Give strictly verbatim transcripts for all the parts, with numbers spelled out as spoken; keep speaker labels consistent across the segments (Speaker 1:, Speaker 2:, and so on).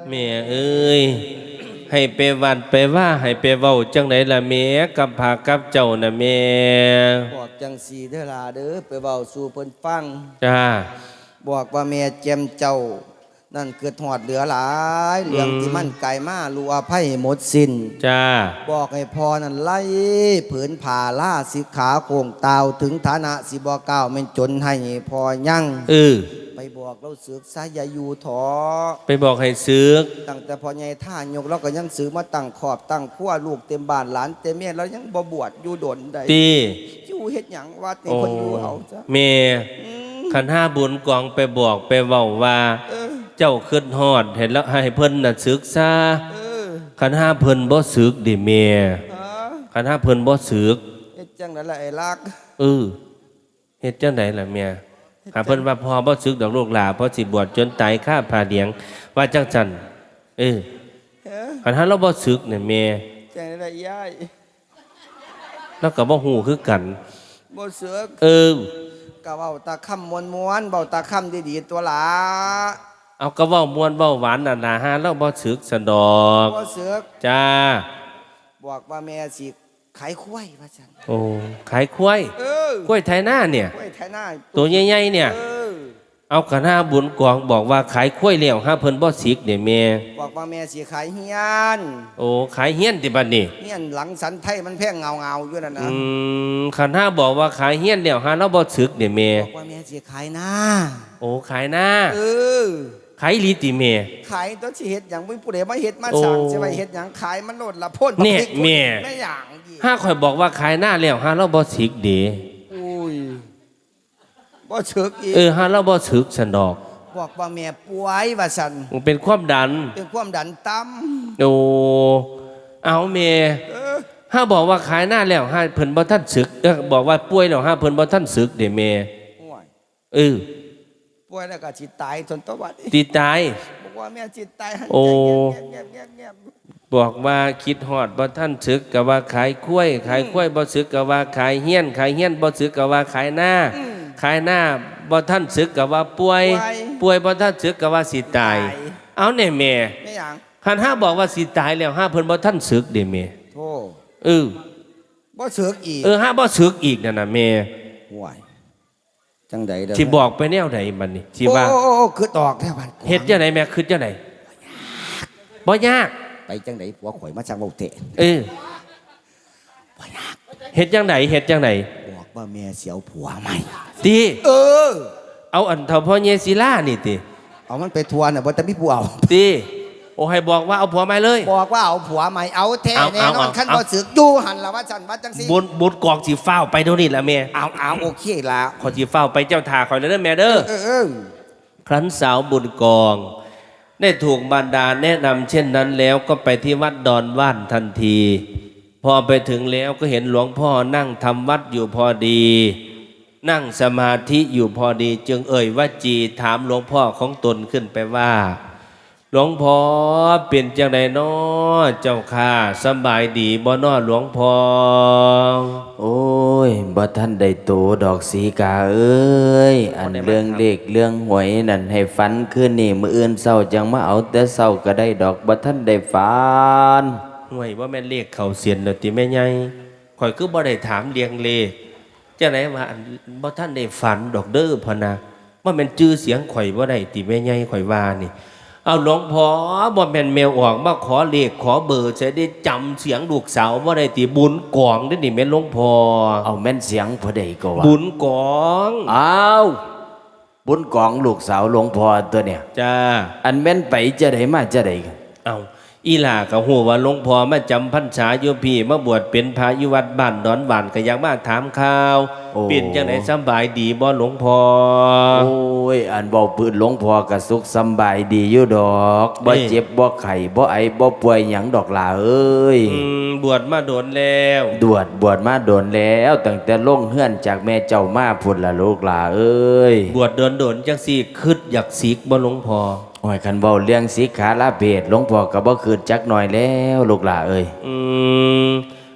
Speaker 1: แม่เอ้ยให้ไปวัดไปว่าให้ไปเว้าจังไดล่ะแม่กับพากับเจ้าน่ะแม่
Speaker 2: บอกจังสีเด้อล่ะเด้อไปเว้าสู่เพิ่นฟัง
Speaker 1: จ้า
Speaker 2: บอกว่าแม่แจมเจ้านั่นเกิดหอดเหลือหลายเหลืองที่มันไกลมาลูอภัยหมดสิ้น
Speaker 1: จ้า
Speaker 2: บอกให้พอนั่นไล่ผืนผ่าล่าสิขาโคงตาวถึงฐานะสิบ่ก้าวแม่นจนให้พอยั่ง
Speaker 1: เออ
Speaker 2: ไปบอกเราสึกซะอย่าอยู่ถอ
Speaker 1: ไปบอกให้ซึก
Speaker 2: ตั้งแต่พอใหญ่ท่ายกเราก็ยังซื้อมาตั้งขอบตั้งขั้วลูกเต็มบ้านหลานเต็มเมียแล้วยังบ่บวชอยู่ดนใด
Speaker 1: ตี
Speaker 2: อยู่เฮ็ดหยังว่านี่คนอยู่เอาจ้ะ
Speaker 1: แม่ขันห้าบุญกองไปบอกไปเว้าว่าเจ้าขึ้นฮอดเห็นแล้วให้เพิ่นน่ะศึกษาขันห้าเพิ่นบ่ศึกดิแม่ขันห้าเพิ่นบ่ศึก
Speaker 2: เฮ็ดจังได๋ล่ะไอ้ลัก
Speaker 1: เออเฮ็ดจังได๋ล่ะแม่หาเพิ่นว่าพอบ่ศึกดอกลูกหลาเพราะสิบวชจนตายคาผ้าเหลียงว่าจังซั่นเออขันห้าเราบ่ศึกเนี่ยแม่
Speaker 2: จังได๋ล่ะยาย
Speaker 1: แล้วก็บ่ฮู้คือกัน
Speaker 2: บ่ศึก
Speaker 1: เออ
Speaker 2: ก็เว้าตาค่ำม้วนๆเว้าตาค่ำดีๆตัวหลา
Speaker 1: เอาก็เว้าม่วนเว้าหวานน่ะนะฮะเราบ่ศึกสันดอก
Speaker 2: บ่ศึก
Speaker 1: จ้า
Speaker 2: บอกว่าแม่สิขายควายว่าซั่น
Speaker 1: โอ้ขายควาย
Speaker 2: เออก
Speaker 1: ล้วยไถนาเนี่ย
Speaker 2: กล้วยไถนา
Speaker 1: ตัวใหญ่ๆเนี่ย
Speaker 2: เออ
Speaker 1: เอาคณะบุญกองบอกว่าขายควายแล้วหาเพิ่นบ่ศึกเด้แม่
Speaker 2: บอกว่าแม่สิขายเฮียน
Speaker 1: โอ้ขายเฮียนติบัดนี้
Speaker 2: เฮียนหลังสันไทยมันแพงเงาๆอยู่นั่นนะ
Speaker 1: อืมคณะบอกว่าขายเฮียนแล้วหาเราบ่ศึกเด้แม่
Speaker 2: บอกว่าแม่สิขายนา
Speaker 1: โอ้ขายนา
Speaker 2: เออ
Speaker 1: ขายลีติแม่
Speaker 2: ขายตัวสิเฮ็ดหยังบ่มีผู้ใดมาเฮ็ดมาสั่งสิว่าเฮ็ดหยังขายมันโลดละพ่น
Speaker 1: บักพริกแม่
Speaker 2: แม่หยัง
Speaker 1: ถ้าข่อยบอกว่าขายนาแล้วหาเราบ่ศึกเด้
Speaker 2: อุ้ยบ่ศึกอีก
Speaker 1: เออหาเราบ่ศึกซั่นดอก
Speaker 2: บอกว่าแม่ป่วยว่าซั่น
Speaker 1: มันเป็นความดัน
Speaker 2: เป็นความดันต่
Speaker 1: ำโอ้เอาแม่ถ้าบอกว่าขายหน้าแล้วหาเพิ่นบ่ทันศึกเออบอกว่าป่วยแล้วหาเพิ่นบ่ทันศึกเด้แม่เออ
Speaker 2: ป่วยแล้วก็สิตายจนตะวัน
Speaker 1: สิตาย
Speaker 2: บอกว่าแม่สิตายหัน
Speaker 1: ใจ
Speaker 2: เงียบๆ
Speaker 1: ๆบอกว่าคิดฮอดบ่ทันศึกก็ว่าขายกล้วยขายกล้วยบ่ศึกก็ว่าขายเฮียนขายเฮียนบ่ศึกก็ว่าขายหน้าขายหน้าบ่ท่านศึกกับว่าป่วยป่วยบ่ท่านศึกกับว่าสิตายเอาแน่แม่
Speaker 2: ไม่หยัง
Speaker 1: คันห้าบอกว่าสิตายแล้วห้าเพิ่นบ่ท่านศึกเด้แม่
Speaker 2: โธ่
Speaker 1: เออ
Speaker 2: บ่ศึกอีก
Speaker 1: เออห้าบ่ศึกอีกนั่นน่ะแม่
Speaker 2: ห่วยจังได๋เด้อ
Speaker 1: สิบอกไปแนวใดบัดนี้สิว่า
Speaker 2: โอ้ๆคือตอกแท้บัด
Speaker 1: เฮ็ดจังได๋แม่คิดจังได๋บ่ยาก
Speaker 2: ไปจังได๋ผัวข่อยมาสั่งเว้าเตะ
Speaker 1: เออบ่ยากเฮ็ดจังได๋เฮ็ดจังได๋
Speaker 2: บอกว่าแม่เสียวผัวใหม่
Speaker 1: ติ
Speaker 2: เออ
Speaker 1: เอาอันเฒ่าพ่อเยศิลานี่ติ
Speaker 2: เอามันไปทัวร์น่ะบ่แต่มีผู้เอา
Speaker 1: ติโอ้ให้บอกว่าเอาผัวใหม่เลย
Speaker 2: บอกว่าเอาผัวใหม่เอาแท้แน่นอนคันบ่สึกอยู่หั่นล่ะว่าซั่นว่าจังซี่
Speaker 1: บุญบุญกอกสิฟ้าวไปเดี๋ยวนี้ล่ะแม่
Speaker 2: เอาเอาโอเคล่ะ
Speaker 1: ขอสิฟ้าวไปเจ้าท่าขอยเด้อแม่เด้อ
Speaker 2: เออ
Speaker 1: ครั้นสาวบุญกองได้ถูกบรรดาแนะนำเช่นนั้นแล้วก็ไปที่วัดดอนว่านทันทีพอไปถึงแล้วก็เห็นหลวงพ่อนั่งทำวัดอยู่พอดีนั่งสมาธิอยู่พอดีจึงเอ่ยว่าจีถามหลวงพ่อของตนขึ้นไปว่าหลวงพ่อเป็นจังไดน้อเจ้าข้าสบายดีบ่น้อหลวงพ่อ
Speaker 3: โอ้ยบ่ท่านได้โตดอกสีกาเอ้ยอันเรื่องเลขเรื่องหวยนั่นให้ฝันคืนนี่มื้ออื่นเช้าจังมาเอาแต่เช้าก็ได้ดอกบ่ท่านได้ฝัน
Speaker 1: ห่วยว่าแม่นเลขเข้าเสียนแล้วติแม่ใหญ่ข่อยคือบ่ได้ถามเรียงเลขจังไดว่าบ่ท่านได้ฝันดอกเด้อพะนะว่าแม่นชื่อเสียงข่อยบ่ได้ติแม่ใหญ่ข่อยว่านี่เอาหลวงพ่อบ่แม่นแมวออกมาขอเลขขอเบอร์จะได้จำเสียงลูกสาวบ่ได้ติบุญกองเด้อนี่แม่นหลวงพ่อ
Speaker 3: เอาแม่นเสียงผู้ใดก็ว่า
Speaker 1: บุญกอง
Speaker 3: อ้าวบุญกองลูกสาวหลวงพ่อตัวเนี่ย
Speaker 1: จ้า
Speaker 3: อันแม่นไปจะได้มาจะได้
Speaker 1: เอาอีหล่าก็ฮู้ว่าหลวงพ่อมาจำพรรษาอยู่พี่มาบวชเป็นพระอยู่วัดบ้านดอนหวานก็อยากมาถามข่าวเป็นจังได๋สบายดีบ่หลวงพ่อ
Speaker 3: โอ้ยอันเว้าปืนหลวงพ่อก็สุขสบายดีอยู่ดอกบ่เจ็บบ่ไข้บ่ไอบ่ป่วยหยังดอกล่ะเอ้ย
Speaker 1: อืมบวชมาโดนแล้ว
Speaker 3: บวชบวชมาโดนแล้วตั้งแต่ลงเฮือนจากแม่เจ้ามาพุ่นล่ะลูกล่ะเอ้ย
Speaker 1: บวชโดนๆจังซี่คิดอยากสิกบ่หลวงพ่อ
Speaker 3: โอ้ยคันเว้าเรื่องสิกขาลาเพศหลวงพ่อก็บ่คืนจักหน่อยแล้วลูกหล่าเอ้ย
Speaker 1: อืม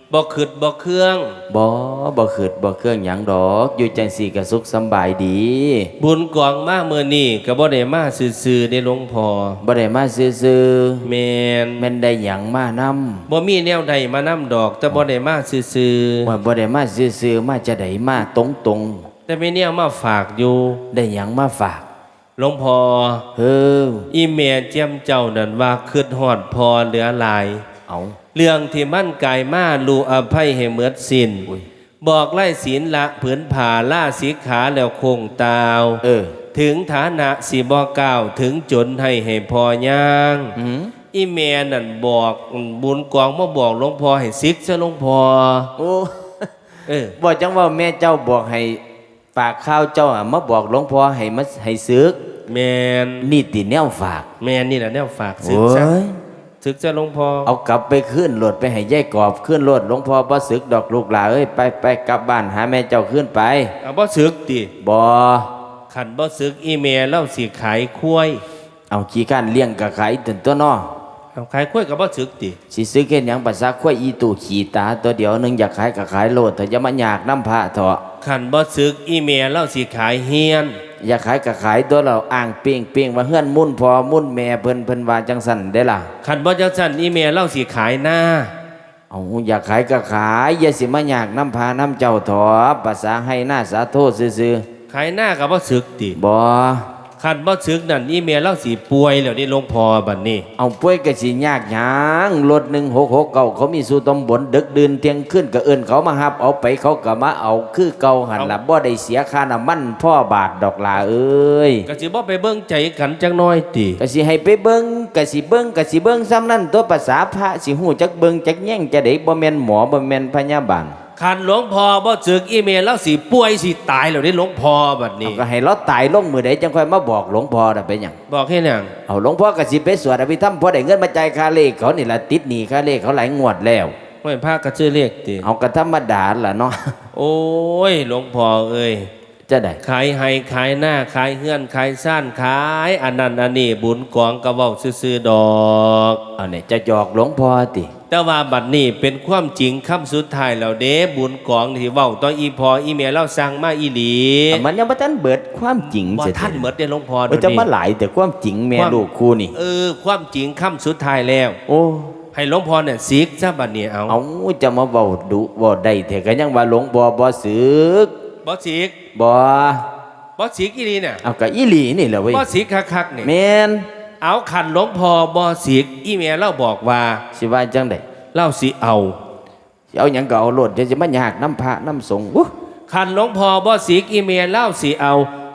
Speaker 1: บ่ขึ้นบ่เครื่อง
Speaker 3: บ่บ่ขืดบ่เครื่องหยังดอกอยู่จังสี่ก็สุขสำบายดี
Speaker 1: บุญกองมาเมื่อนี้ก็บ่ได้มาซื่อๆได้หลวงพ่อ
Speaker 3: บ่ได้มาซื่อ
Speaker 1: แม่น
Speaker 3: ๆแม่นได้หยังมานำ
Speaker 1: บ่มีแนวใดมานำดอก แต่บ่ได้มาซื่อ
Speaker 3: ว่าบ่ได้มาซื่อๆมาจะได้มาตรง
Speaker 1: ๆแต่มีแนวมาฝากอยู่
Speaker 3: ๆได้หยังมาฝาก
Speaker 1: หลวงพ่อ
Speaker 3: เฮ้อ
Speaker 1: อีแม่เจียมเจ้านั่นว่าคิดฮอดพอเหลือหลาย
Speaker 3: เอา
Speaker 1: เรื่องที่มั่นกายมาลูอภัยให้เหมือดสิ้น
Speaker 3: อุ้ย
Speaker 1: บอกไล่ศีลละผืนผ่าล่าสีขาแล้วคงตาว
Speaker 3: เออ
Speaker 1: ถึงฐานะสีบ่ก้าวถึงจนให้ให้พอย่าง
Speaker 3: หืม
Speaker 1: อีแม่นั่นบอกบุญกองมาบอกหลวงพ่อให้ซิกซะหลวงพ่อ
Speaker 3: โอ้
Speaker 1: เออ
Speaker 3: บอกจังว่าแม่เจ้าบอกให้ฝากข้าวเจ้าอะมาบอกหลวงพ่อให้มาให้ซึก
Speaker 1: แมน
Speaker 3: นี่ติแนวฝาก
Speaker 1: แมนนี่แหละแนวฝากซึก
Speaker 3: โอ้
Speaker 1: ซะ
Speaker 3: ย
Speaker 1: ซึกซะหลวงพ่อ
Speaker 3: เอากลับไปขึ้นรถไปให้ยายกอบขึ้นรถหลวงพ่อบ่ซึกดอกลูกหลาเอ้ยไปไปกลับบ้านหาแม่เจ้าขึ้นไป
Speaker 1: เอาบ่ซึกติ
Speaker 3: บ่
Speaker 1: ขันบ่ซึกอีแม่เล่าสิขายคุ้ย
Speaker 3: เอาขี้ข้านเลี้ยงกะขายตื่นตัวน้อ
Speaker 1: เอาขายคุ้ยกับบ่ซึกติ
Speaker 3: สิซื้อเฮ็ดหยังภาษาควายอีตู่ขี่ตาตัวเดียวหนึงอยากขายกะขายโลดแต่อย่ามาอยากน้ำพระเถาะ
Speaker 1: ขันบ่ซึกอีแม่เล่าสิขายเฮียน
Speaker 3: อยากขายกะขายตัวเราอ้างเปียงเปียงว่าเฮือนมุ่นพอมุ่นแม่เพิ่นเพิ่นว่าจังสั่นได้ล่ะ
Speaker 1: ขันบ่จังซั่นอีแม่เล่าสิขายหน้า
Speaker 3: เอาอยากขายก็ขายอย่าสิมาอยากน้ำพาน้ำเจ้าถอภาษาให้หน้าสาโทษซื่อ
Speaker 1: ขายหน้ากับบ่ซึกติ
Speaker 3: ๆบ่
Speaker 1: ขันบ่ซึกนั่นอีแม่เล่าสิป่วยแล้วนี่หลวงพ่อบัดนี้
Speaker 3: เอาป่วยก็สิยากหยังรถหนึ่งหกหกเก้าเขามีสู่ตำบลดึกดื่นเที่ยงคืนก็เอิ้นเขามารับเอาไปเขาก็มาเอาคือเก่าหันล่ะบ่ได้เสียค่าน้ำมันพ่อบาทดอกลาเอ้ย
Speaker 1: ก็สิบ่ไปเบิ่งใจกันจังน้อยติ
Speaker 3: ก็สิให้ไปเบิ่งก็สิเบิ่งก็สิเบิ่งซ้ำนั้นตัวภาษาพระสิฮู้จักเบิ่งจักแย่งจะได้บ่แม่นหมอบ่แม่นพยาบาล
Speaker 1: ขันหลวงพ่อบ่ซึกอีแม่เล่าสิป่วยสิตายแล้วนี่หลวงพ่อบัด
Speaker 3: เอา
Speaker 1: นี้
Speaker 3: ก็ให้เราตายลงมื้อใดจังค่อยมาบอกหลวงพ่อน่ะเป็นหยัง
Speaker 1: บอกให้หยัง
Speaker 3: เอาหลวงพ่อก็สิไปสวดอภิธรรมพอได้เงินมาจ่ายค่าเลขเขานี่ล่ะติดหนี้ค่าเลขเขาหลายงวดแล้ว
Speaker 1: ไม่พาก็ชื่อเลขติ
Speaker 3: เอาก็ธรรมดาล่ะเนาะ
Speaker 1: โอ้ยหลวงพ่อเอ้ย
Speaker 3: จะได้
Speaker 1: ขายให้ขายหน้าขายเฮือนขายซ่านขายอันนั้นอันนี้บุญกองก็เว้าซื่อๆดอก
Speaker 3: เอาเนี่ยจะหยอกหลวงพ่อติ
Speaker 1: แต่ว่าบัดนี้เป็นความจริงคำสุดท้ายแล้วเด้บุญกองที่เว้าต่ออีพออีเมียเราสั่งมาอีหลี
Speaker 3: เอามันยังบ่ทันเบิดความจริง
Speaker 1: บ่
Speaker 3: เสีย
Speaker 1: ท่านเหมือนได้หลวงพ่อ
Speaker 3: เออจะมาหลายแต่ความจริงแม่ลูกคู่นี่
Speaker 1: เออความจริงคำสุดท้ายแล้ว
Speaker 3: โอ้
Speaker 1: ให้หลวงพ่อเนี่ยซิกซะบัดนี้เอา
Speaker 3: เอาจะมาเว้าดุเว้าได้แต่ก็ยังว่าหลวงบ่บ่สึก
Speaker 1: บ่ซิก
Speaker 3: บ่
Speaker 1: บ่ซิกอีหลีเนี่ย
Speaker 3: เอาก็อีหลีนี่แหละเว้ย
Speaker 1: บ่ซิกคักๆนี่
Speaker 3: แม่น
Speaker 1: เอาขันหลวงพ่อบ่ซิกอีเมียเราบอกว่า
Speaker 3: สิว่าจังได๋
Speaker 1: เล่าสิเอา
Speaker 3: สิเอาหยังก็เอาโลดจะสิมายากน้ำพระน้ำสงฆ์อู้
Speaker 1: ขันหลวงพ่อบ่ซิกอีเมียเล่าสิเอา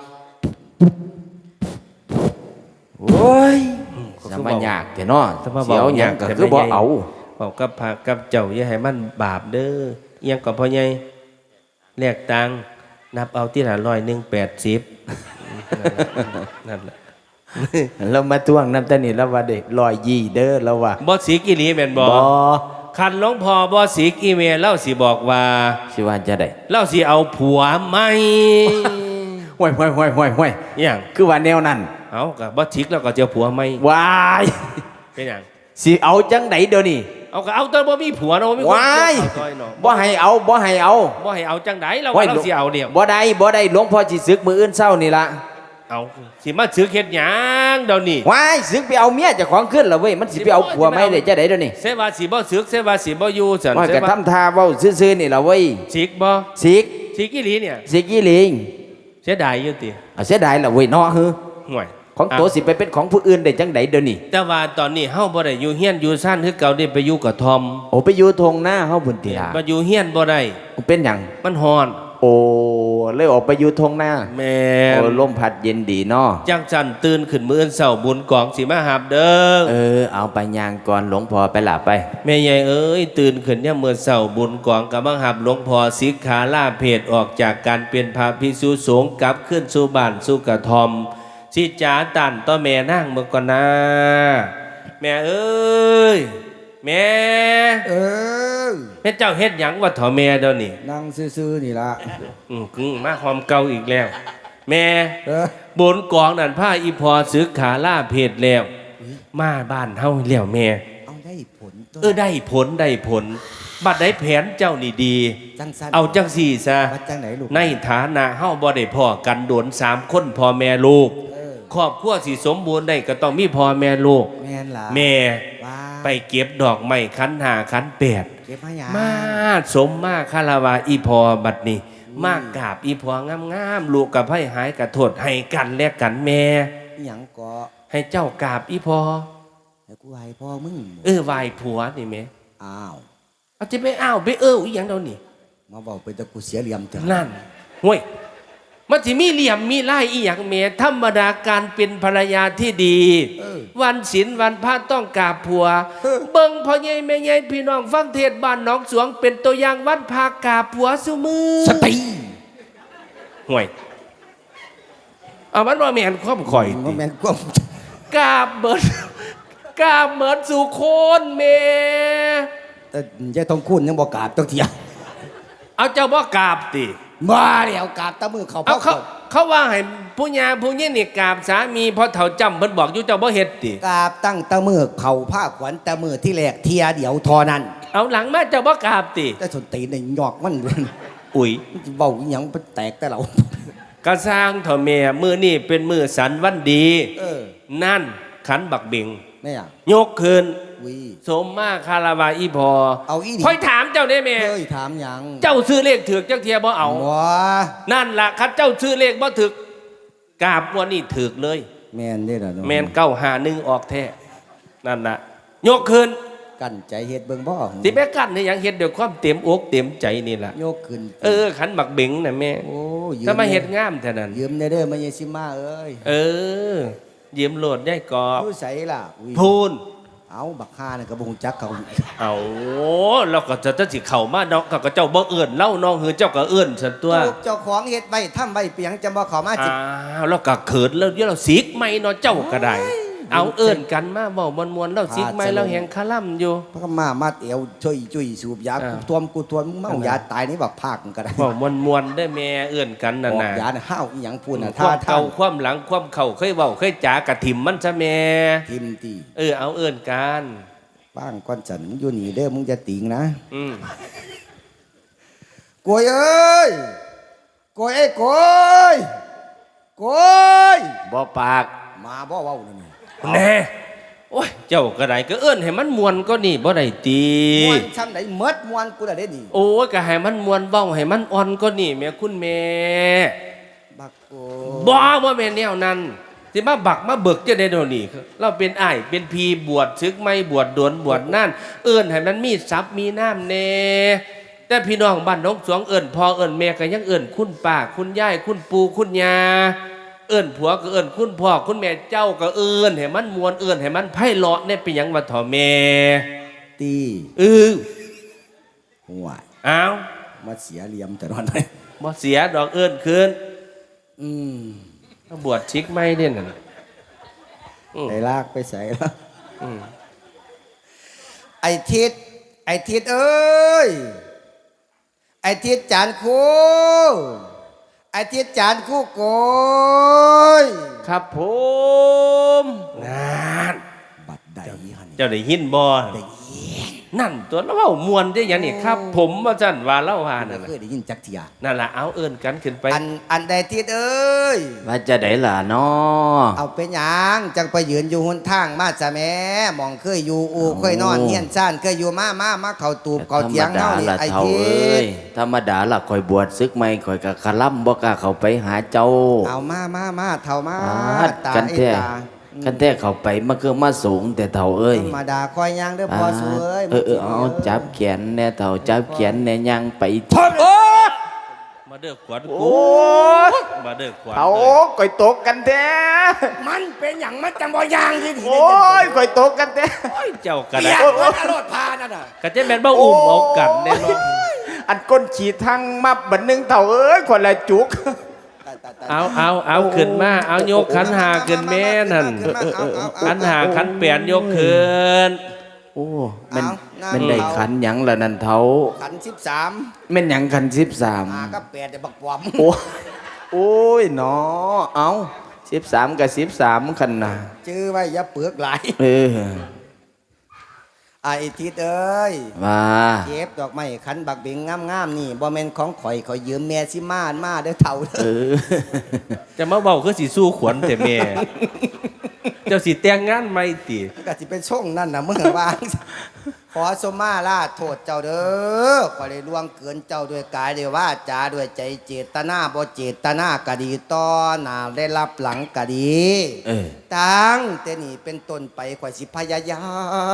Speaker 3: โอ้ยจะมายากแต่เนาะ
Speaker 1: ถ้ามา
Speaker 3: สิเอาหยังก็
Speaker 1: แต่
Speaker 3: คือบ่เอา
Speaker 1: บอกกับพระกับเจ้าอย่าให้มันบาปเด้อเอียงกับพ่อใหญ่แลกตังค์นับเอาที่ละร้อยหนึ่งแปดสิบนั่นแหละ
Speaker 3: เรามาทวงน้ำตานี่แล้วว่าเด็กลอยยี่เด้อแล้วว่า
Speaker 1: บอสีกิลีแม่นบอ
Speaker 3: บ่
Speaker 1: คันหลวงพ่อบอสีกีเมลเล่าสิบอกว่า
Speaker 3: สิว่าจะได้
Speaker 1: เล่าสิเอาผัวไหม
Speaker 3: ห่วยห่วยห่วยห่วยห่วย
Speaker 1: อหย่าง
Speaker 3: คือว่าแนวนั้น
Speaker 1: เอากับบอชิกแล้วก็เจอผัวไหม
Speaker 3: วาย
Speaker 1: เป็นอย่าง
Speaker 3: สิเอาจังไดเดี๋ยวนี้
Speaker 1: เอาก็เอาตอนบ่มีผัวเนาะบ่มีคน
Speaker 3: วาย
Speaker 1: ซอยเนาะ
Speaker 3: บ่ให้เอาบ่ให้เอา
Speaker 1: บ่ให้เอาจังไดเรา
Speaker 3: ว้
Speaker 1: ว่าเราสิเอาเดียว
Speaker 3: บ่ได้บ่ได้หลวงพ่อสิศึกมืออื่นเช้านี่ล่ะ
Speaker 1: เอาสิมาซื้อเฮ็ดหยังเดี๋ยวนี้
Speaker 3: วายศึกไปเอาเมียเจ้าของขึ้นแล้วเว้ยมันสิไปเอาผัวไหมได้จะได้เดี๋ยวนี้
Speaker 1: เสว่าสิบ่ซื้อเสว่าสิบ่อยู่ซั่น
Speaker 3: ว่า
Speaker 1: เส
Speaker 3: ก็
Speaker 1: ว่า
Speaker 3: ทำท่าเว้าซื่อๆนี่ล่ะเว้ย
Speaker 1: สิกบ่
Speaker 3: สิก
Speaker 1: สิกอีหลีเนี่ย
Speaker 3: สิกอีหลิง
Speaker 1: เสียดายอยู่ติ
Speaker 3: อ่ะเสียดายล่ะเว้ยเนาะฮือ
Speaker 1: ห่วย
Speaker 3: ของตัวสิไปเป็นของผู้อื่นได้จังไดเดี๋ยวนี้
Speaker 1: แต่ว่าตอนนี้เฮาบ่ได้อยู่เฮียนอยู่ซ่านคือเก่าได้ไปอยู่กับทอม
Speaker 3: โอ้ไปอยู่ทงหน้าเฮาบุญติลา
Speaker 1: มาอยู่เฮียนบ่ได้
Speaker 3: เป็นหยัง
Speaker 1: มันฮ้อน
Speaker 3: โอ้เลยออกไปอยู่ทงหน้า
Speaker 1: แม่
Speaker 3: โอ้
Speaker 1: น
Speaker 3: ลมพัดเย็นดีเนาะ
Speaker 1: จังจันตื่นขึ้นมื้ออนเช้าบุญกองสิมาหาบเด้อ
Speaker 3: เออเอาไปยางก่อนหลวงพ่อไปหลับไป
Speaker 1: แม่ใหญ่เอ้ยตื่นขึ้นเนี่ยามมื้อเช้าบุญกองก็มาหาบหลวงพ่อสิกขาลาเพศออกจากการเป็นพระภิกษุสงฆ์กลับขึ้นสู่บ้านสู่กระท่อมสิจ๋าตันต่อแม่นั่งเมื่อก่อนนะแม่เอ้ยแม่
Speaker 2: เออ
Speaker 1: แม่เจ้าเฮ็ดหยังวะเถาแม่เดี๋ยวนี้
Speaker 2: นั่งซื่อๆนี่ละ
Speaker 1: อืมกึ่งมาความเก่าอีกแล้ว แม่
Speaker 2: เออบ
Speaker 1: นกองนั่นผ้าอีพอซึกขาล่าเพศแล้ว มาบ้านเฮาแล้วแม่
Speaker 2: เอาได้ผลตัว
Speaker 1: เออได้ผลได้ผลบัดได้แผนเจ้านี่ดี
Speaker 2: จังสั้น
Speaker 1: เอาจังสี่ซะ
Speaker 2: วัดจังไหนลูก
Speaker 1: ในฐานะเฮาบ่ได้พ่อกันโดนสามคนพ่อแม่ลูก
Speaker 2: เออ
Speaker 1: ครอบครัวสิสมบูรณ์ได้ก็ต้องมีพ่อแม่ลูก
Speaker 2: แม่นล่ะ
Speaker 1: แม่
Speaker 2: ว้า
Speaker 1: ไปเก็บดอกไม้ขันหาขันแปด
Speaker 2: เก็บมาหยัง
Speaker 1: มาสมมาคาราวาอีพอบัดนี้ มากกราบอีพองามๆลูกกับให้หายกระโทษให้กันและกันแม่
Speaker 2: อิหยังเกาะ
Speaker 1: ให้เจ้ากราบอีพอ
Speaker 2: ให้กูให้พ่อมึง
Speaker 1: เออไหวผัวนี่แม่
Speaker 2: อ้าว
Speaker 1: เอาจะไปอ้าวไปเอออีหยังเดี๋ยวนี้
Speaker 2: มาบอกไปแต่กูเสียเหลี่ยมเถอะ
Speaker 1: นั่นห่วยมันสิมีเหลี่ยมมีไล่อีหยังแม่ธรรมดาการเป็นภรรยาที่ดี
Speaker 2: เออ
Speaker 1: วันศีลวันพระต้องกราบผัว
Speaker 2: เออ
Speaker 1: เบิ่งพ่อใหญ่แม่ใหญ่พี่น้องฟังเทศน์บ้านหนองสวงเป็นตัวอย่างวันพากราบผัวซุมือ
Speaker 2: สติ
Speaker 1: ห่วยเอามันว่าแม่นความข่อย
Speaker 2: ว่า
Speaker 1: ติ
Speaker 2: แม่นกวม
Speaker 1: กราบเบิดกราบเหมือนสู่โคนแม่
Speaker 2: แต่ยายทองคุณยังบอกกราบต้องเถียง
Speaker 1: เอาเจ้าบ่กราบติ
Speaker 2: มาแล้วกราบตะมือเขา
Speaker 1: เอา
Speaker 2: พ่อ
Speaker 1: เขาเขาว่าให้ผู้ญาผู้ยิ่นี่กราบสามีเพอเฒ่าจำเพิ่นบอกอยู่เจ้าบ่เฮ็ดติ
Speaker 2: กราบตั้งตะมือเขาผ้าขวัญตะมือที่แหลกเทียเดียวทอนั้น
Speaker 1: เอาหลังมาเจ้าบ่กราบติ
Speaker 2: แต่สนตีนในหยอกมัน
Speaker 1: อุ้ย
Speaker 2: เบาอหยังไปแตกแต่เรา
Speaker 1: กระสร้างเถาแม่มื้อนี้เป็นมื้อสันวันดี
Speaker 2: เออ
Speaker 1: นั่นขันบักเบง
Speaker 2: แม่อะ
Speaker 1: ยกคืน
Speaker 2: วิ
Speaker 1: สมมาคาราวาอีพอ
Speaker 2: เอาอี
Speaker 1: ค่อยถามเจ้าได้แม่
Speaker 2: เฮ้ยถามหยัง
Speaker 1: เจ้าซื้อเลขถือกจักเทียบ่เอา
Speaker 2: ว้า
Speaker 1: นั่นล่ะคันเจ้าซื้อเลขบ่ถึกกราบวันนี้ถึกเลย
Speaker 2: แม่นได้ล่ะเนาะ
Speaker 1: แมนเก้าหาหนึ่งออกแท้นั่นน่ะยกขึ้น
Speaker 2: กั้นใจเฮ็ดเบิ่งบ่
Speaker 1: สิแม่กันนี่ยังเฮ็ดด้วยความเต็มอกเต็มใจนี่ล่ะ
Speaker 2: โยกขึ้น
Speaker 1: เออขันบักเบงน่ะแม่
Speaker 2: โอ้ยืม
Speaker 1: ถ้ามาเฮ็ดงามเท่านั้น
Speaker 2: ยืมได้เด้อมาเยซิมาเอ้ย
Speaker 1: เออยืมโหลดได้กอบ
Speaker 2: ผู้ใสล่ะอุ้ย
Speaker 1: พูน
Speaker 2: เอาบักฮานี่ก็บ่ฮู้จักเขา
Speaker 1: เอาเราก็จะจะสิเข้ามาเนาะก็ก็เจ้าบ่เอื้อนเล่าน้องคือเจ้าก็เอื้อนซั่นตัว
Speaker 2: ลูกเจ้าของเฮ็ดไว้ทำไว้เปียงจะบ่เข้ามาจิ
Speaker 1: อ้าวแล้วก็เขินแล้วเดี๋ยวเราสิกไม่เนาะเจ้าก็ได้เอาเอื้อนกันมาเว้ามวนๆแล้วสิกไม่แล้วแหงคาล่ำอยู่
Speaker 2: พระก็มามาเตียวช่วยจุ้ยสูบยา
Speaker 1: อ่า
Speaker 2: กูทวมกูทวนมึงเมายาตายนี่บักภาคมึงก็ได้
Speaker 1: เว้ามวนๆได้แม่เอื้อนกันน่ะ
Speaker 2: ออก
Speaker 1: นะ
Speaker 2: ยาน่ะห้าวอีหยังพูดน่ะ
Speaker 1: ค
Speaker 2: ท่าว
Speaker 1: าม
Speaker 2: ท่า
Speaker 1: เก่าความหลังความเข่าเคยเว้าเคยจ๋ากะถิ่มมันซะแม่
Speaker 2: ทิมตี
Speaker 1: เออเอาเอื้อนกัน
Speaker 2: บ้างก้อนจันมึงอยู่นี่เด้อมึงจะติงนะ
Speaker 1: อืม
Speaker 2: โกยเอ้ยโกยเอ้ยโกยโกย
Speaker 3: บ่ปาก
Speaker 2: มาบ่เว้านี่
Speaker 1: แน่โอ้ยเจ้าก็ได้ก็เอื้อนให้มันมวนก็นี่บ่ได้ตี
Speaker 2: มวนช้ำไหนเมดมวนกูได้เด้นี่
Speaker 1: โอ้ยก็ให้มันมวนเว้าให้มันอ่อนก็นี่แม่คุณแม่
Speaker 2: บักโก
Speaker 1: บ่บ่แม่นแนวนั้นสิมาบักมาเบิกจะได้เดี๋ยวนี้เราเป็นอ้ายเป็นพีบวชซึกไม่บวชดวนบวชนั่นเอื้อนให้มันมีทรัพย์มีน้ำแน่แต่พี่น้องบ้านน้องสวงเอื้อนพ่อเอื้อนแม่ก็ยังเอื้อนคุณป้าคุณยายคุณปู่คุณย่าเอื้อนผัวก็เอื้อนคุณพ่อคุณแม่เจ้าก็เอื้อนให้มันมวนเอื้อนให้มันไพเราะเนี่ยเป็นหยังว่าถ่อแม่
Speaker 2: ตี
Speaker 1: เออ
Speaker 2: หัว
Speaker 1: เอา
Speaker 2: มาเสียเหลี่ยมแต่นอนเลย
Speaker 1: บ่เสียดอกเอื้อนคืน
Speaker 2: อืม
Speaker 1: บวชชิกไม่เนี่ยน่ะอืม
Speaker 2: ไอ้ลากไปใส่แล้ว
Speaker 1: อืม
Speaker 2: ไอ้ทิศไอ้ทิศเอ้ยไอ้ทิศจานคู่ไอ้ทิศจานคู่โกย
Speaker 1: ครับผมนั่น
Speaker 2: บัดใดฮัน
Speaker 1: เจ้าได้ยินบ่
Speaker 2: ได้ยิน
Speaker 1: นั่นตัวเราเว้ามวนได้ยังนี่ครับ ผมว่าจันว่าเล่าหานั่น
Speaker 2: เค
Speaker 1: น่ะ
Speaker 2: ยได้ยินจักเทีย
Speaker 1: นั่นล่ะเอาเอิ้นกันขึ้นไป
Speaker 2: อันอันใดทิศเอ้ย
Speaker 3: ว่าจะได้ล่ะน้อ
Speaker 2: เอาเป็นหยังจังไปยืนอยู่หนทางมาจะแม่หมองเคยอยู่อูเคยนอนเฮียนซ่านเคยอยู่มามามาเข้าตูบเข้าเถียง
Speaker 3: ธรรม
Speaker 2: เฮา
Speaker 3: ดา
Speaker 2: นี่
Speaker 3: ล่ะ
Speaker 2: ไอ้
Speaker 3: เท่า
Speaker 2: ทิ
Speaker 3: เอ้
Speaker 2: ศ
Speaker 3: ยธรรมดาล่ะคอยบวชซึกไม่คอยกะคล่ำบ่กล้าเข้าไปหาเจ้า
Speaker 2: เอามามามาเท่ามา
Speaker 3: อาด
Speaker 2: ตา
Speaker 3: กัน
Speaker 2: ไอ้
Speaker 3: แท้
Speaker 2: ตา
Speaker 3: กันแท้เข้าไปมันคือมาสูงแต่เท่าเอ้ย
Speaker 2: ธรรมดาคอยย่างเด้อพอสวย
Speaker 3: เออเออเอาจับแขนแน่เท่าจับแขนแน่ยังไป
Speaker 2: โอ้
Speaker 1: มาเด้อขวัญ
Speaker 3: โอ้
Speaker 1: กูมาเด้อขวัญ
Speaker 3: เอา
Speaker 1: เลย
Speaker 3: ก่อยตกกันแท้
Speaker 2: มันเป็นอย่างมันจังบ่ย่างที่ดี
Speaker 3: โอ้ยก่อยตกกันแท้
Speaker 1: โอ้ยเจ้าก็
Speaker 2: อ
Speaker 1: ได้
Speaker 2: ยากมันอรรถพานั่นน่ะ
Speaker 1: ก็จะแม่นบ่อุ้มเอากันแน่เนอน
Speaker 3: อันก้นขีดทั้งมับบันหนึงเท่าเอ้ยคนละจุก
Speaker 1: เอาเอาเอาขึ้นมาเอายกขันหาขึ้นแม่นั่นขันหาขันแปดยกขึ้น
Speaker 3: โอ้มันมันได้ขันหยังละนั่นเท่า
Speaker 2: ขันสิบสาม
Speaker 3: แม่นหยังขันสิบสาม
Speaker 2: หาก็แปดแต่บักปอม
Speaker 3: โอ้โอ้ยเนาะเอาสิบสามกับสิบสามขันนะ
Speaker 2: ชื่อไว้อย่าเปลือกหลาย
Speaker 3: เออ
Speaker 2: ไอ้ทิศเอ้ย
Speaker 3: ว่า
Speaker 2: เก็บดอกไม้ขันบักเบงงามๆนี่บ่แม่นของข่อยข่อยยืมแม่สิมามาเด้อเฒ่า
Speaker 3: เออ
Speaker 1: จะมาเบาคือสีสู้ขวัญแต่แม่ เจ้าสีแต่งงานไม่ติ
Speaker 2: ก็สิเป็นช่องนั่นน่ะมึงวาง ขอสมมาลาโทษเจ้าเด้อขอได้ล่วงเกินเจ้าด้วยกายด้วยวาจาด้วยใจเจตนาบ่เจตนากะดีต่อหน้าได้รับหลังกะดี
Speaker 3: เออ
Speaker 2: ตั้งแต่นี้เป็นต้นไปข่อยสิพยายาม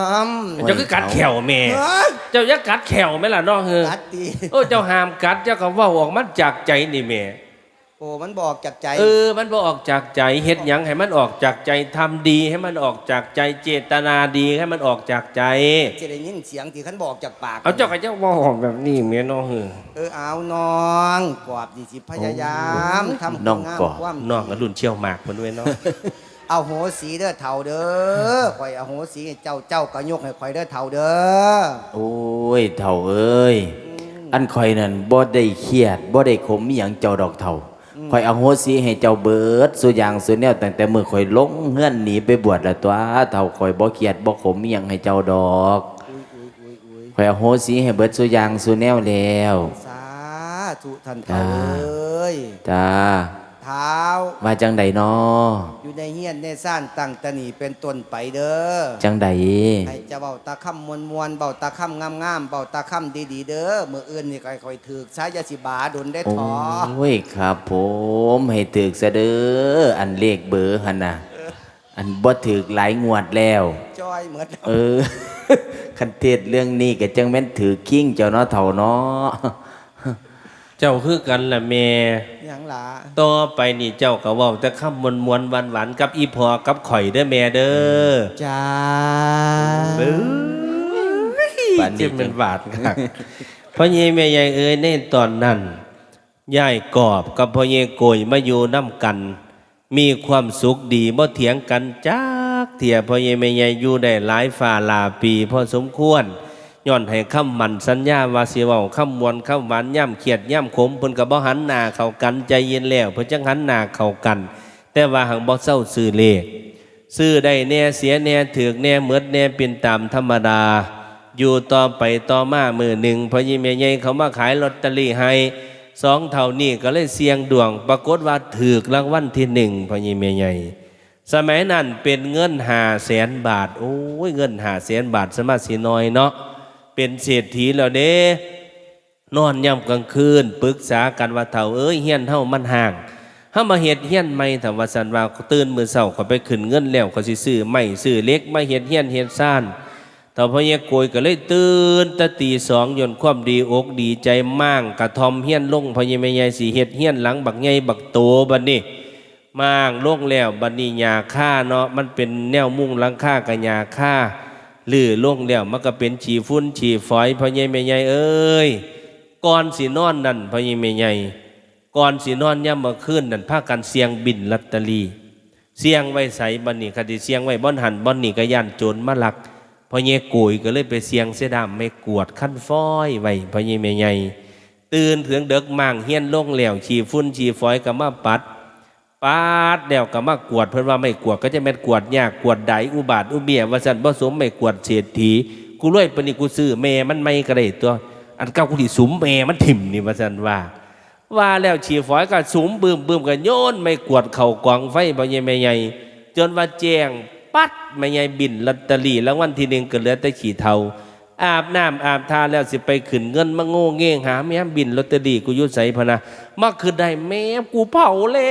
Speaker 1: เจ้าคือกัดแขวแม่
Speaker 2: เฮ้ย
Speaker 1: เจ้าอย่ากัดแขวไหมล่ะน้องเฮอ
Speaker 2: กัดดี
Speaker 1: โอ้เจ้าห้ามกัดเจ้าก็เว่าออกมาจากใจนี่แม่
Speaker 2: โอ้มันบอกจากใจ
Speaker 1: เออ มันบ่ออกจากใจเฮ็ดหยังให้มันออกจากใจทำดีให้มันออกจากใจเจตนาดีให้มันออกจากใจ
Speaker 2: จะได้ยินเสียงที่ขันบอกจากปาก
Speaker 1: เอาเจ้าก็เจ้าเว่าออกแบบนี้แม่น้องเฮอ
Speaker 2: เออเอาน้องกอบดีสิพยายามทำ
Speaker 3: น้อง
Speaker 2: งาม
Speaker 3: กอบ
Speaker 2: ความ
Speaker 1: น้องก็รุ่นเชี่ยวหมากเพิ่นด้วยเนาะ
Speaker 2: เอาโหสีเด้อเท่าเด้อข่อยเอาโหสีให้เจ้าเจ้าก็ยกให้ข่อยเด้อเท่าเด้อ
Speaker 3: โอ้ยเถ่าเอ้ย อันคอยนั่นบ่ได้เครียดบ่ได้ขมอหย่างเจ้าดอกเถ่าคอยเอาโหสิให้เจ้าเบิดสุอย่างสุแนวตั้งแต่มื้อคอยลงเฮือนหนีไปบวชแล้วตัวเถ่าคอยบ่เครียดบ่ขมอหย่างให้เจ้าดอกคอยเอาโหสิให้เบิดสุอย่างสุแนวแล้ว
Speaker 2: สาธุท่านเท่าเอ้ย
Speaker 3: จ้า
Speaker 2: เท้า
Speaker 3: ว่าจังใดน้อ
Speaker 2: อยู่ในเฮียนในซ่านตั้งแตะนีเป็นต้นไปเด้อ
Speaker 3: จังใด
Speaker 2: ให้เจะเบาตาค่ำมวลมวลเบาตาค่ำงามงามเบาตาค่ำดีดีๆเด้อเมื่ออื่นนี่ค่อยๆถือสายยาสิบาดนได้
Speaker 3: โอ
Speaker 2: ท้อ้
Speaker 3: ยครับผมให้ถึกซะเด้ออันเลขเบอร์หั่นน่ะอันบ่ถึกหลายงวดแล้ว
Speaker 2: จ้อยเหมือนแล้ว
Speaker 3: เออ คันเทศเรื่องนี้ก็จังแม่นถือคิงเจ้าเนาะเฒ่าเนาะ
Speaker 1: เจ้าคือกันล่ะแม่
Speaker 2: หยังหลา
Speaker 1: ต่อไปนี่เจ้าก็เว้าแต่คำมวนๆหวานๆกับอีพอกับข่อยเด้อแม่เด้อ
Speaker 2: จ้า
Speaker 1: เบ้อ
Speaker 3: ปานนี้
Speaker 1: เจ็บเป็นบาดครับพ่อเยแม่ใหญ่เอ้ยในตอนนั้นยายกอบกับพ่อเยโกยมาอยู่น้ำกัน มีความสุขดีบ่เถียงกันจักเถียพ่อเยแม่ใหญ่อยู่ได้หลายฝ่าหลาปีพอสมควรย้อนให้คำมันสัญญาว่าสิเว้าคำมวนคำหวานย่ำเขียดย่ำขมเพิ่นก็บ่หันหน้าเข้ากันใจเย็นแล้วเพิ่นจังหันหน้าเข้ากัน แต่ว่าหังบ่เศร้าซื้อเลขซื้อได้แน่เสียแน่ถือกแน่เหมือดแน่เป็นตามธรรมดา อยู่ต่อไปต่อมามือหนึ่งพอยิ่งแม่ใหญ่เขามาขายลอตเตอรี่ให้สองเท่านี้ก็เลยเสี่ยงดวง ปรากฏว่าถือกรางวัลที่หนึ่งพอยิ่งแม่ใหญ่สมัยนั้นเป็นเงินห้าแสนบาทโอ้ยเงินห้าแสนบาทสมาสิน้อยเนาะเป็นเศรษฐีแล้วเด้นอนย่ำกลางคืนปรึกษากันว่าเท่าเอ้ยเฮียนเท่ามันห่างถ้ามาเฮ็ดเฮียนไม่ถ้าว่าสันว่าตื่นมือเช้าเขาไปขึ้นเงินแล้วเขาสิซื้อไม่ซื้อเล็กมาเฮ็ดเฮียนเฮ็ดซ่านต่อพระเยโกยก็เลยตื่นตะตีสองยนต์ความดีอกดีใจมั่งกระทอมเฮียนลงพระเยแม่ใหญ่สีเฮ็ดเฮียนหลังบักใหญ่บักโตบัดนี้มั่งลงแล้วบัดนี้หญ้าค่าเนาะมันเป็นแนวมุงหลังคากับหญ้าค่าลื้อลงแล้วมันก็เป็นฉีฝุ่นฉีฝอยพระเยแม่ใหญ่เอ้ยก่อนสินอนนั่นพระเยแม่ใหญ่ก่อนสินอนย่ำมาขึ้นนั่นพากันเสียงบินลอตเตอรี่เสียงไว้ใส่บัดนี้คดีเสียงไว้บ่อนหันบ่อนนี่ก็ย่านโจรมาลักพอเยโกยก็เลยไปเสียงเสยดามไม่กวดขั้นฟ้อยไว้พอเยแม่ใหญ่ตื่นถึงเด็กมั่งเฮียนลงแล้วฉีฝุ่นฉีฝอยก็มาปัดปัดแล้วก็มากวดเพิ่นว่าไม่กวดก็จะแม่นกวดยากกวดใดอุบาทอุเบียว่าซั่นบ่สมไม่กวดเศรษฐีกูรวยปานนี้กูซื้อแม่มันไม่ก็ได้ตัวอันเก่ากูสิสุมแม่มันถิ่มนี่ว่าซั่นว่าว่าแล้วฉีฝอยก็สุมบึมบึมก็โยนไม่กวดเข้ากองไฟพอเยแม่ใหญ่จนว่าแจ้งปัดไม่ใหญ่บินลอตเตอรี่แล้ววันที่หนึ่งก็เหลือแต่ขี่เทาอาบน้ำอาบทาแล้วสิไปขึ้นเงินมาโง่เง่งหาแม่บินลอตเตอรี่กูยุดใส่พะนะมาคือได้แม่กูเผา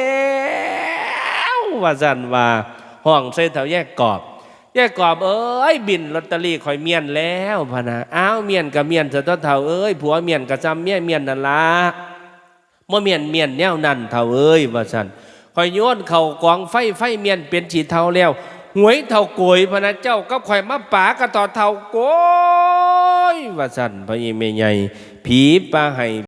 Speaker 1: แล้วว่าสันว่าห้องใส่เถาแยกกอบแยกกอบเอ้ยบินลอตเตอรี่คอยเมียนแล้วพะนะอ้าวเมียนกับเมียนเสะเถาเอ้ยผัวเมียนกับจำเมียเมียนนั่นละเมื่อเมียนเมียนแนวนั่นเถาเอ้ยว่าสันคอยโยนเข่ากองไฟไฟเมียนเป็นฉีดเทาแล้วหวยเท่าโกยพระเจ้าก็ข่อยมาป่ากระต่อเท่าโกยว่าสั่นพระเยเมใหญ่ผีปลาไห้